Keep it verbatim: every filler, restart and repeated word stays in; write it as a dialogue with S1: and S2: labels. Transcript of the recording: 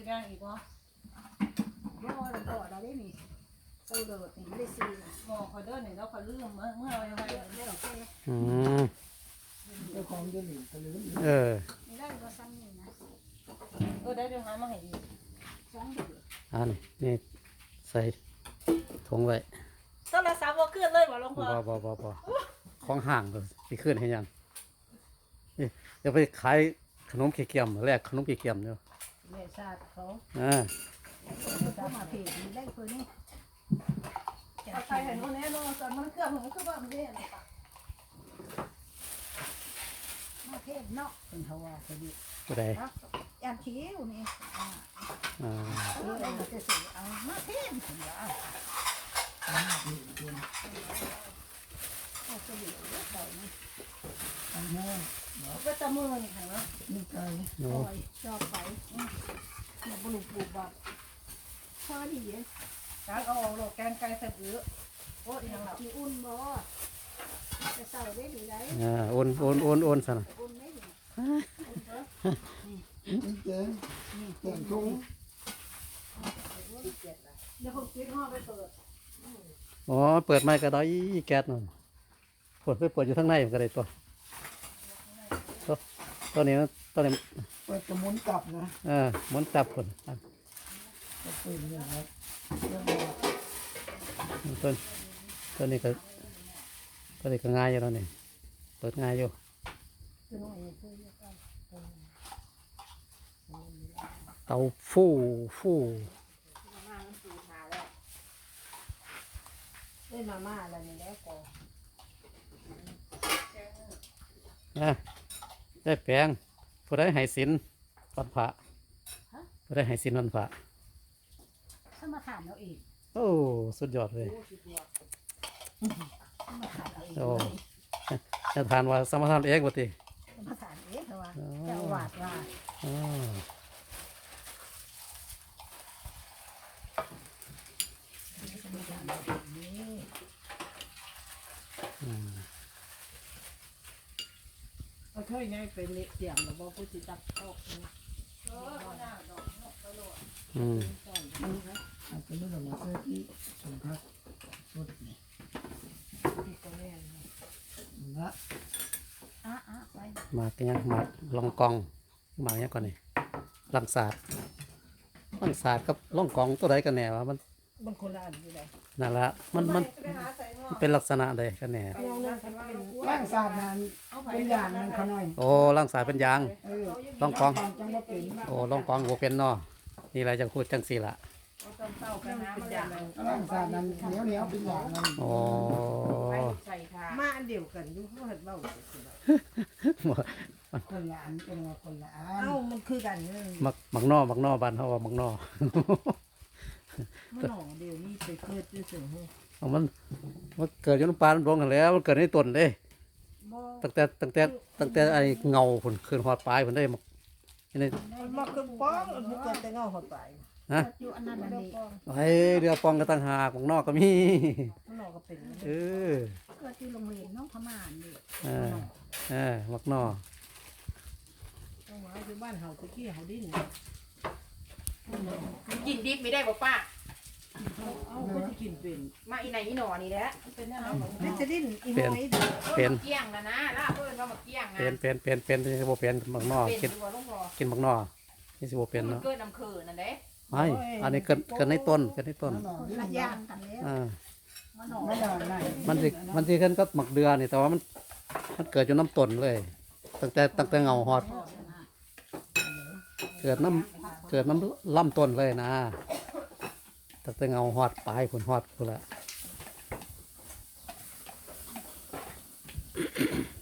S1: จะย่างอีกวะ
S2: บ่เราต่อเราได้นี่เต้าเดือดนี่ไม่ได้ซีนะ
S1: หมอคอยเดินเนี่ยเราคอยลืมเมื่อเมื่อเรายังไง
S2: ได้หรอกแค่
S3: อืม
S4: เจ้าของเดือนหนึ่งตะลืม
S3: เออ
S2: ไม่ได้ก็ซ้ำนี่นะ
S1: เออได้เดี๋ยวหามาให้อีก
S2: สองเดือด
S3: อันนี้นี่ใส่ถุงไว้
S1: โทรศัพท์ว่าเคลื่อนเลยบ่หลวงพ่
S3: บ่
S1: อ
S3: บ่บ่บ่ของห่างเลยสิขึ้นให้ยังนี่จะไปขายขนมเกี๊ยมแลกขนมเกี๊ยมเนาะ
S1: แม่ชาติเขา
S3: อ่า
S2: ก็มาเพจนี่ได้คนนี้
S1: เอาใครเห็นวันนี้เนาะตอนมันเครื่องมันคือว่ามันได้อะไรปะ
S2: มาเพจเนาะเป็นเขาว่าคนนี้
S3: บ่ได้
S2: ครับยามคิ้วนี่อ่า
S3: อ่า
S2: เออเราจะสื่อเอามาเพจถึงว่าเอาจะเหลือใส่นี่
S4: อันนี้
S1: ก็จะมือนี่ค่ะเนาะ
S4: นี่ไก่
S3: โน้
S2: ปล่อยจอบไปเนี่ยบลูปลูกแบบพอดี
S1: การเอาออกโลกแกงไก่ใส่บื้อโอ้ยยังหลับ
S2: ที่อุ่นบ่จะใส่ได้หรือไร
S3: อ่าโอนโอนโอนโอนซะนะ
S2: อุ่นไม่หรือ
S4: นี่แกงแกงทุ่ง
S1: เดี๋ยวผมคิดห่อไปเปิด
S3: อ๋อเปิดไม้ก็ได้แก๊สนั่นเปิดไปเปิดอยู่ข้างในมันก็ได้ตัวตัวตัวนี้นะตัวนี้
S4: เปิดกระมุนกลับนะ
S3: เออหมุนจับคนอ่ะ
S4: ก็เป็นอย่างนี้เรื่อง
S3: ตัวตัวนี้ก็ตัวนี้ก็ง่ายอยู่แล้วนี่เปิดง่ายอยู่เตาฟู่ฟู่
S2: มามันสูทาแล้วได้มาม่าอะไรนี่แล้วก็
S3: นะได้แปลงผู้ได้ให้สินวันพระผู้ได้ให้สินวันพระ
S2: ถ้ามาถามเราเอง
S3: โอ้สุดยอดเลย
S2: ถ้ามาถามเราเอง
S3: โอ้จะทานว่าสมทานเองบ่ติ
S2: ถ้ามาถามเองเพราะว่าเจ้าหวาดว่า
S3: อ๋อ
S2: จะมาถามเราเองนี่
S3: อืม
S1: เอาเท่านี้เป็นเละเสียงแล้วบอกผู้จิตตักออกนี่เออเอาหน้าดอกเนาะไปโหลด
S3: อืม
S4: อาจจะไม่หลงเสื้อที่สมพักสุดนี่
S1: ที่ก็แม่น
S4: นะ
S2: อ่ะอ่ะไป
S3: หมากยังหมากลองกองหมากยังก่อนนี่ลังศาสตร์ลังศาสตร์กับล่องกองตัวใดกันแน่วะมัน
S1: มันคนละอันอยู่เลย
S3: นั่นละมันมัน
S1: ไปหาใส่หม้อ
S3: มันเป็นลักษณะใดกันแน่
S1: เอาเงินกันว่าเป็น
S4: ร่างศาสตร์นั้นเป็นอย่างนั้นเขาหน่อย
S3: โอ้ลังศาสตร์เป็นยาง
S4: เออ
S3: ล่องกอง
S4: จังว่าเป็น
S3: โอ้ล่องกองบ่เป็นเนาะนี่แหละจังพูดจังสี่ละ
S1: เอาต้นเต้ากันน้ำมันอย่าง
S4: ร่างศาสตร์นั้นเหนียวเหนียวเป็นอย่างนั้น
S3: โอ้
S1: ใส่ทามาอันเดียวกันอยู่เขาเห็นเบ้า
S4: คนละอันเป็นว่าคนละอัน
S1: เอ้ามันคือกันเลย
S3: มักมักนอมักนอบ้านเฮาว่ามักนอ
S1: มันหน่อเดียวนี่ไปเกิดด้วยเสือหู
S3: เอามันมันเกิดอยู่น้ำปลาน้ำร้อนกันแล้วมันเกิดในต้นเด้
S1: บ่
S3: ตั้งแต่ตั้งแต่ตั้งแต่ไอ้เงาผลคืนหอดปลายผลได้มักนี่
S1: มันมาคือป้องมันเกิดแต่เงาหดไป
S3: ฮะ
S2: อยู่อันนั้นอันนี้
S3: ไอ้เรือปองกระตังหากของนอกก็มี
S1: มันหน่อก็เป็น
S3: เออ
S2: เกิดที่โรงเรียนน้องพม่านี่
S3: เออเออมักนอ
S1: ต้องว่าคือบ้านเฮาตะกี้เฮาดิ้น
S5: กินดิบไม่ได้บ่ป้า
S1: เอาก็จะกินเป็น
S5: มาอีไหนอีหนอนี่แหละ
S1: เป็นอะไร
S2: มันจะดิ้นอี
S3: เป็น
S2: น้อย
S3: เป็น
S5: เกี้ยงนะนะล่าเพิ่นว่ามาเกี้ยงนะ
S3: เป็นเป็นเป็นเป็นที่สิบ่เป็นมักนอ
S5: เป็น
S3: กิน
S5: ตัวลงพอ
S3: กินมักนอนี่สิบ่เป็น
S5: มัน
S3: เนาะ
S5: เกิดน้ำเคือนั่นเด้
S3: ไม่อันนี้เกิดเกิดในต้นเกิดในต้น
S4: นั่นหน่อย
S2: คนละอย่างกันแล้ว
S3: อ่า
S2: มันหนอ
S4: ไม่ได้ไหน
S3: มันสิมันสิขึ้นก็หมักเดือนี่แต่ว่ามันมันเกิดอยู่น้ำต้นเลย ตั้งแต่ตั้งแต่เงาหอด เกิดน้ำเกิดน้ำล่ำต้นเลยนะตั้งแต่เงาหอดปลายผลหอดพุ่นละ